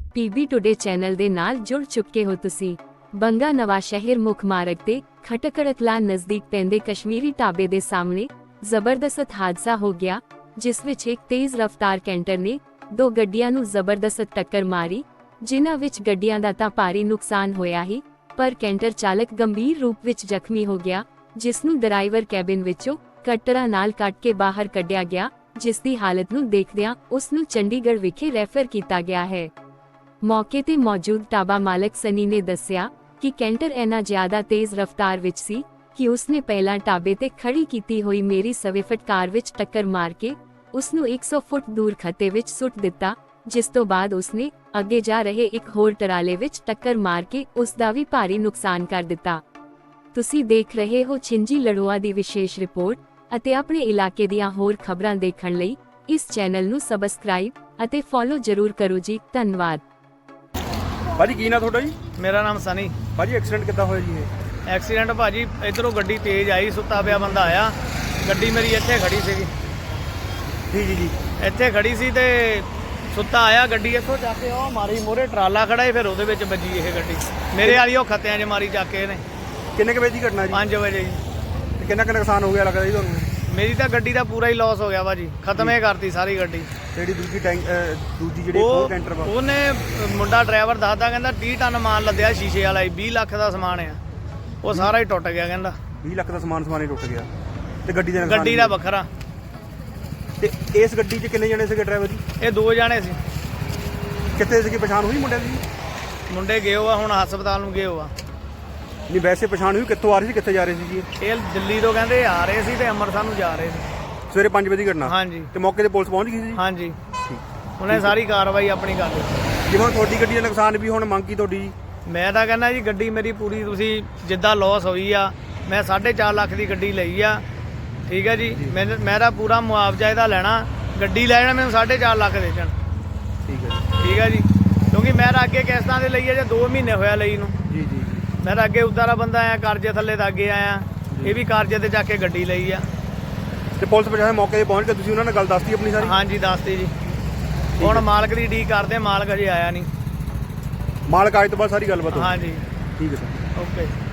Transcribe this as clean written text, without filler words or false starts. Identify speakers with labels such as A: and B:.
A: PB today channel ਦੇ ਨਾਲ ਜੁੜ ਚੁੱਕੇ ਹੋ ਤੁਸੀਂ। ਬੰਗਾ ਨਵਾਂ ਸ਼ਹਿਰ ਮੁੱਖ ਮਾਰਗ ਤੇ ਖਟਕੜਕਲਾ ਨਜ਼ਦੀਕ ਪੈਂਦੇ ਕਸ਼ਮੀਰੀ ਢਾਬੇ ਦੇ ਸਾਹਮਣੇ ਜ਼ਬਰਦਸਤ ਹਾਦਸਾ ਹੋ ਗਿਆ, ਜਿਸ ਵਿੱਚ ਇੱਕ ਤੇਜ਼ ਰਫ਼ਤਾਰ ਕੈਂਟਰ ਨੇ ਦੋ ਗੱਡੀਆਂ ਨੂੰ ਜ਼ਬਰਦਸਤ ਟੱਕਰ ਮਾਰੀ, ਜਿਨ੍ਹਾਂ ਵਿੱਚ ਗੱਡੀਆਂ ਦਾ ਤਾਂ ਭਾਰੀ ਨੁਕਸਾਨ ਹੋਇਆ ਹੀ, ਪਰ ਕੈਂਟਰ ਚਾਲਕ ਗੰਭੀਰ ਰੂਪ ਵਿੱਚ ਜ਼ਖਮੀ ਹੋ ਗਿਆ, ਜਿਸ ਨੂੰ ਡਰਾਈਵਰ ਕੈਬਿਨ ਵਿੱਚੋਂ ਕਟਰਾਂ ਨਾਲ ਕੱਢ ਕੇ ਬਾਹਰ ਕੱਢਿਆ ਗਿਆ, ਜਿਸ ਦੀ ਹਾਲਤ ਨੂੰ ਦੇਖਦਿਆਂ ਉਸ ਨੂੰ ਚੰਡੀਗੜ੍ਹ ਵਿਖੇ ਰੈਫਰ ਕੀਤਾ ਗਿਆ ਹੈ। ਮੌਕੇ ਤੇ ਮੌਜੂਦ ਢਾਬਾ ਮਾਲਕ ਸਨੀ ਨੇ ਦੱਸਿਆ ਕਿ ਕੈਂਟਰ ਇੰਨਾ ਜ਼ਿਆਦਾ ਤੇਜ਼ ਰਫ਼ਤਾਰ ਵਿੱਚ ਸੀ ਕਿ ਉਸਨੇ ਪਹਿਲਾਂ ਢਾਬੇ ਤੇ ਖੜੀ ਕੀਤੀ ਹੋਈ ਮੇਰੀ ਸਵਿਫਟ ਕਾਰ ਵਿੱਚ ਟੱਕਰ ਮਾਰ ਕੇ ਉਸ ਨੂੰ 100 ਫੁੱਟ ਦੂਰ ਖੱਤੇ ਵਿੱਚ ਸੁੱਟ ਦਿੱਤਾ, ਜਿਸ ਤੋਂ ਬਾਅਦ ਉਸਨੇ ਅੱਗੇ ਜਾ ਰਹੇ ਇੱਕ ਹੋਰ ਟਰਾਲੇ ਵਿੱਚ ਟੱਕਰ ਮਾਰ ਕੇ ਉਸ ਦਾ ਵੀ ਭਾਰੀ ਨੁਕਸਾਨ ਕਰ ਦਿੱਤਾ। ਤੁਸੀਂ ਦੇਖ ਰਹੇ ਹੋ ਛਿੰਜੀ ਲੜੋਆ ਦੀ ਵਿਸ਼ੇਸ਼ ਰਿਪੋਰਟ ਅਤੇ ਆਪਣੇ ਇਲਾਕੇ ਦੀਆਂ ਹੋਰ ਖਬਰਾਂ ਦੇਖਣ ਲਈ ਇਸ ਚੈਨਲ ਨੂੰ ਸਬਸਕ੍ਰਾਈਬ ਅਤੇ ਫੋਲੋ ਜ਼ਰੂਰ ਕਰੋ ਜੀ। ਧੰਨਵਾਦ।
B: ਭਾਜੀ ਕੀ ਨਾ ਤੁਹਾਡਾ ਜੀ?
C: ਮੇਰਾ ਨਾਮ ਸਨੀ।
B: ਭਾਜੀ ਐਕਸੀਡੈਂਟ ਕਿੱਦਾਂ ਹੋਇਆ ਜੀ ਇਹ?
C: ਐਕਸੀਡੈਂਟ ਭਾਜੀ ਇਧਰੋਂ ਗੱਡੀ ਤੇਜ਼ ਆਈ, ਸੁੱਤਾ ਪਿਆ ਬੰਦਾ ਆਇਆ, ਗੱਡੀ ਮੇਰੀ ਇੱਥੇ ਖੜੀ ਸੀਗੀ।
B: ਜੀ
C: ਇੱਥੇ ਖੜੀ ਸੀ ਤੇ ਸੁੱਤਾ ਆਇਆ, ਗੱਡੀ ਇੱਥੋਂ ਜਾ ਕੇ ਉਹ ਮਾਰੀ ਮੋਰੇ ਟਰਾਲਾ ਖੜਾ ਸੀ, ਫਿਰ ਉਹਦੇ ਵਿੱਚ ਵੱਜੀ ਇਹ ਗੱਡੀ ਮੇਰੇ ਵਾਲੀ, ਉਹ ਖੱਤਿਆਂ 'ਚ ਮਾਰੀ ਜਾ ਕੇ ਇਹਨੇ।
B: ਕਿੰਨੇ ਕੁ ਵਜੇ ਦੀ ਘਟਨਾ ਜੀ?
C: 5 ਵਜੇ ਜੀ।
B: ਤੇ ਕਿੰਨਾ ਕੁ ਨੁਕਸਾਨ ਹੋ ਗਿਆ ਲੱਗਦਾ ਜੀ ਤੁਹਾਨੂੰ?
C: ਮੇਰੀ ਤਾਂ ਗੱਡੀ ਦਾ ਪੂਰਾ ਹੀ ਲਾਸ ਹੋ ਗਿਆ ਭਾਜੀ, ਖਤਮ ਹੀ ਕਰਤੀ ਸਾਰੀ ਗੱਡੀ।
B: ਜਿਹੜੀ ਦੂਜੀ ਜਿਹੜੀ ਹੋਰ ਕੈਂਟਰ ਵਾ
C: ਉਹਨੇ ਮੁੰਡਾ ਡਰਾਈਵਰ ਦੱਸਦਾ, ਕਹਿੰਦਾ 30 ਟਨ ਮਾਲ ਲੱਦਿਆ ਸ਼ੀਸ਼ੇ ਵਾਲਾ, 20 ਲੱਖ ਦਾ ਸਮਾਨ ਆ, ਉਹ ਸਾਰਾ ਹੀ ਟੁੱਟ ਗਿਆ। ਕਹਿੰਦਾ
B: 20 ਲੱਖ ਦਾ ਸਮਾਨ ਹੀ ਟੁੱਟ ਗਿਆ ਤੇ ਗੱਡੀ ਦੇ
C: ਗੱਡੀ ਦਾ ਵੱਖਰਾ।
B: ਤੇ ਇਸ ਗੱਡੀ 'ਚ ਕਿੰਨੇ ਜਣੇ ਸੀਗੇ ਡਰਾਈਵਰ ਜੀ?
C: ਇਹ 2 ਜਾਣੇ ਸੀ।
B: ਕਿੱਥੇ ਸੀਗੀ, ਪਛਾਣ ਹੋਈ ਮੁੰਡਿਆਂ ਦੀ?
C: ਮੁੰਡੇ ਗਏ ਆ ਹੁਣ ਹਸਪਤਾਲ ਨੂੰ ਗਏ ਆ।
B: ਨਹੀਂ ਵੈਸੇ ਪਛਾਣ ਹੋਈ, ਕਿੱਥੋਂ ਆ ਰਹੀ ਸੀ ਕਿੱਥੇ ਜਾ ਰਹੇ ਸੀ ਜੀ?
C: ਇਹ ਦਿੱਲੀ ਤੋਂ ਕਹਿੰਦੇ ਆ ਰਹੇ ਸੀ ਤੇ ਅੰਮ੍ਰਿਤਸਰ ਨੂੰ ਜਾ ਰਹੇ ਸੀ।
B: ਸਵੇਰੇ 5 ਵਜੇ ਦੀ ਘਟਨਾ?
C: ਹਾਂਜੀ।
B: ਤੇ ਮੌਕੇ ਤੇ ਪੁਲਿਸ ਪਹੁੰਚ ਗਈ ਸੀ?
C: ਹਾਂਜੀ, ਉਹਨੇ ਸਾਰੀ ਕਾਰਵਾਈ ਆਪਣੀ ਕਰ ਦਿੱਤੀ।
B: ਜਿਵੇਂ ਹੁਣ ਤੁਹਾਡੀ ਗੱਡੀ ਦਾ ਨੁਕਸਾਨ ਵੀ ਹੁਣ ਮੰਗ ਕੀ ਤੁਹਾਡੀ ਜੀ?
C: ਮੈਂ ਤਾਂ ਕਹਿੰਦਾ ਜੀ ਗੱਡੀ ਮੇਰੀ ਪੂਰੀ, ਤੁਸੀਂ ਜਿੱਦਾਂ ਲਾਸ ਹੋਈ ਆ, ਮੈਂ 4.5 ਲੱਖ ਦੀ ਗੱਡੀ ਲਈ ਆ, ਠੀਕ ਹੈ ਜੀ। ਮੇਰਾ ਪੂਰਾ ਮੁਆਵਜ਼ਾ ਇਹਦਾ ਲੈਣਾ, ਗੱਡੀ ਲੈ ਜਾਣਾ ਮੈਨੂੰ 4.5 ਲੱਖ ਦੇ ਦੇਣ। ਠੀਕ ਹੈ ਜੀ, ਕਿਉਂਕਿ ਮੈਂ ਤਾਂ ਅੱਗੇ ਕਿਸ਼ਤਾਂ ਦੇ ਲਈ ਆ, ਜੇ 2 ਮਹੀਨੇ ਹੋਇਆ ਲਈ ਨੂੰ।
B: ਜੀ
C: ਮੈਂ ਤਾਂ ਅੱਗੇ ਉਦਾਂ ਦਾ ਬੰਦਾ ਆਇਆ, ਕਰਜ਼ੇ ਥੱਲੇ ਤਾਂ ਅੱਗੇ ਆਇਆ, ਇਹ ਵੀ ਕਰਜ਼ੇ ਤੇ ਜਾ ਕੇ ਗੱਡੀ ਲਈ ਆ।
B: ਤੇ ਪੁਲਿਸ ਪ੍ਰਸ਼ਾਸਨ ਮੌਕੇ ਤੇ ਪਹੁੰਚ ਕੇ ਤੁਸੀਂ ਉਹਨਾਂ ਨਾਲ ਗੱਲ ਦੱਸਤੀ ਆਪਣੀ ਸਾਰੀ?
C: ਹਾਂਜੀ ਦੱਸਤੀ ਜੀ। ਹੁਣ ਮਾਲਕ ਦੀ ਡੀਕ ਕਰਦੇ, ਮਾਲਕ ਅਜੇ ਆਇਆ ਨਹੀਂ।
B: ਮਾਲਕ ਆਏ ਤੋਂ ਬਾਅਦ ਸਾਰੀ ਗੱਲਬਾਤ?
C: ਹਾਂਜੀ
B: ਠੀਕ ਹੈ ਸਰ।
C: ਓਕੇ।